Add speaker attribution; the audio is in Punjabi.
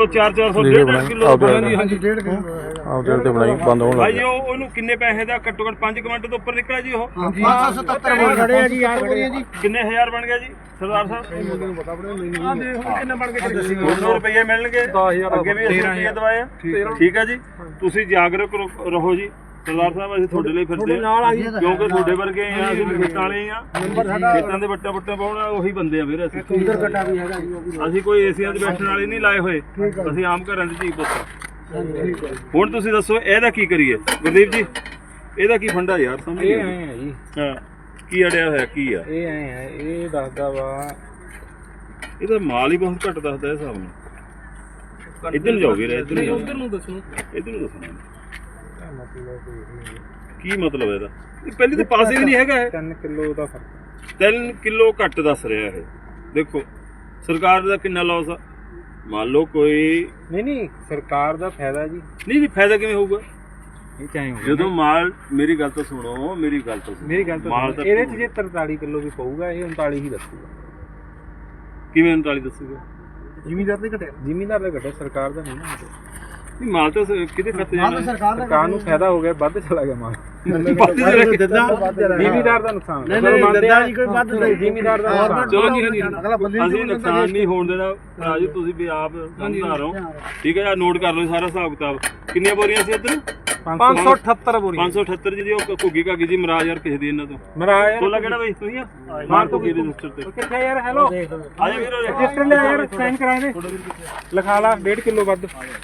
Speaker 1: 400 1.5 ਕਿਲੋ ਬਣਾਈ। ਹਾਂਜੀ 1.5 ਕਿਲੋ
Speaker 2: ਆਪ ਜਿਹੜੇ ਤੇ ਬਣਾਈ ਬੰਦ ਹੋਣ
Speaker 1: ਭਾਈ ਉਹਨੂੰ ਕਿੰਨੇ ਪੈਸੇ ਦਾ ਘੱਟੋ ਘੱਟ 5 ਕਮੈਂਟ ਤੋਂ ਉੱਪਰ ਨਿਕਲਿਆ ਜੀ ਉਹ
Speaker 3: 577 ਖੜੇ ਆ ਜੀ ਆ ਖੜੇ ਆ ਜੀ
Speaker 1: ਕਿੰਨੇ ਹਜ਼ਾਰ ਬਣ ਗਿਆ ਜੀ ਸਰਦਾਰ ਸਾਹਿਬ
Speaker 3: ਮੈਨੂੰ ਪਤਾ ਬੜੇ ਮੈਨੂੰ ਆ ਦੇਖੋ ਕਿੰਨਾ ਬਣ ਗਿਆ
Speaker 1: 200 ਰੁਪਏ ਮਿਲਣਗੇ ਅੱਗੇ ਵੀ 80 ਰੁਪਏ ਦਵਾਏ ਠੀਕ ਹੈ ਜੀ ਤੁਸੀਂ ਜਾਗਰੂਕ ਰਹੋ ਜੀ ਸਰਦਾਰ ਸਾਹਿਬ ਅਸੀਂ ਤੁਹਾਡੇ ਲਈ ਫਿਰਦੇ ਕਿਉਂਕਿ ਤੁਹਾਡੇ ਵਰਗੇ ਆ ਅਸੀਂ ਖੇਤਾਂ ਵਾਲੇ ਆ ਖੇਤਾਂ ਦੇ ਵੱਟਾਂ ਪਾਉਣ ਉਹੀ ਬੰਦੇ ਆ ਵੀਰ ਅਸੀਂ
Speaker 3: ਉਧਰ ਕੱਟਾ ਵੀ ਹੈਗਾ ਜੀ
Speaker 1: ਅਸੀਂ ਕੋਈ ਏਸੀਆਂ 'ਚ ਬੈਠਣ ਵਾਲੇ ਨਹੀਂ ਲਾਏ ਹੋਏ ਅਸੀਂ ਆਮ ਘਰਾਂ 'ਚ ਜੀ ਪੁੱਤ ਹੁਣ ਤੁਸੀਂ ਦੱਸੋ ਇਹਦਾ ਕੀ ਕਰੀਏ ਗੁਰਦੀਪ ਜੀ ਇਹਦਾ ਕੀ ਫੰਡਾ ਯਾਰ ਸਮਝ
Speaker 4: ਇਹ ਐ ਹੈ ਜੀ
Speaker 1: ਹਾਂ ਕੀ ਅੜਿਆ ਹੋਇਆ ਕੀ ਆ
Speaker 4: ਇਹ ਐ ਹੈ ਇਹ ਦੱਸਦਾ ਵਾ
Speaker 1: ਇਹਦਾ ਮਾਲ ਹੀ ਬਹੁਤ ਘੱਟ ਦੱਸਦਾ ਇਹ ਹਿਸਾਬ ਨਾਲ ਇੱਧਰ ਨੂੰ ਜਾਓ ਵੀਰ ਇੱਧਰ ਨੂੰ ਦੱਸੋ ਕੀ ਮਤਲਬ ਇਹਦਾ ਪਹਿਲੀ ਤਾਂ ਪਾਸੇ ਵੀ ਨਹੀਂ ਹੈਗਾ
Speaker 4: 3 ਕਿਲੋ ਦਾ ਫਰਕ
Speaker 1: 3 ਕਿਲੋ ਘੱਟ ਦੱਸ ਰਿਹਾ ਇਹ ਦੇਖੋ ਸਰਕਾਰ ਦਾ ਕਿੰਨਾ ਲਾਸ ਆ ਮੰਨ ਲਓ ਕੋਈ
Speaker 4: ਨਹੀਂ ਸਰਕਾਰ ਦਾ ਫਾਇਦਾ ਜੀ
Speaker 1: ਨਹੀਂ ਫਾਇਦਾ ਕਿਵੇਂ ਹੋਊਗਾ
Speaker 4: ਇਹ ਚਾਹੇ
Speaker 1: ਜਦੋਂ ਮਾਲ ਮੇਰੀ ਗੱਲ ਤਾਂ ਸੁਣੋ ਮੇਰੀ ਗੱਲ ਤਾਂ
Speaker 4: ਇਹਦੇ ਚ ਜੇ 43 ਕਿਲੋ ਵੀ ਪਊਗਾ ਇਹ 39 ਹੀ ਦੱਸੂਗਾ
Speaker 1: ਕਿਵੇਂ 39 ਦੱਸੂਗਾ
Speaker 3: ਜ਼ਿਮੀਦਾਰ ਦੇ ਘਟਿਆ
Speaker 4: ਜ਼ਿਮੀਦਾਰ ਦਾ ਘਟਿਆ ਸਰਕਾਰ ਦਾ ਨਹੀਂ ਨਾ
Speaker 1: ਨਹੀਂ ਮਾਲ ਤਾਂ ਕਿਤੇ ਖੱਤ ਜਾਣਾ
Speaker 4: ਸਰਕਾਰ ਨੂੰ ਫਾਇਦਾ ਹੋ ਗਿਆ ਵੱਧ ਚਲਾ ਗਿਆ ਮਾਲ ਜ਼ਿਮੀਦਾਰ ਦਾ ਨੁਕਸਾਨ
Speaker 3: ਨਹੀਂ ਕੋਈ ਵੱਧ ਨਹੀਂ
Speaker 4: ਜ਼ਿਮੀਦਾਰ ਦਾ ਨੁਕਸਾਨ
Speaker 1: ਚਲੋ ਜੀ ਅਸੀਂ ਨੁਕਸਾਨ ਨਹੀਂ ਹੋਣ ਦੇਣਾ ਰਾਜੂ ਤੁਸੀਂ ਵੀ ਆਪ ਸਮਝਦਾਰ ਹੋ ਠੀਕ ਹੈ ਯਾਰ ਨੋਟ ਕਰ ਲਓ ਸਾਰਾ ਹਿਸਾਬ ਕਿਤਾਬ ਕਿੰਨੀਆਂ ਬੋਰੀਆਂ ਸੀ ਇੱਧਰ
Speaker 4: 578 ਬੋਰੀ
Speaker 1: 578 ਜੀ ਉਹ ਘੁੱਗੀ ਘਾਗੀ ਜੀ ਮਹਾਰਾਜ ਯਾਰ ਕਿਸੇ ਦੀ ਇਹਨਾਂ ਤੋਂ
Speaker 4: ਮਹਾਰਾਜ
Speaker 1: ਕੋਲਾ ਕਿਹੜਾ ਬਈ ਤੁਸੀਂ ਆ ਮਾਰ ਤੋਂ ਕੀ ਰਜਿਸਟਰ ਤੇ
Speaker 4: ਕਿੱਥੇ ਯਾਰ ਹੈਲੋ
Speaker 1: ਆ ਜਾ ਵੀਰੋ
Speaker 4: ਰਜਿਸਟਰ ਲੈ ਯਾਰ ਸਾਈਨ ਕਰਾ ਦੇ ਲਿਖਾ ਲਾ 1.5 ਕਿਲੋ ਵੱਧ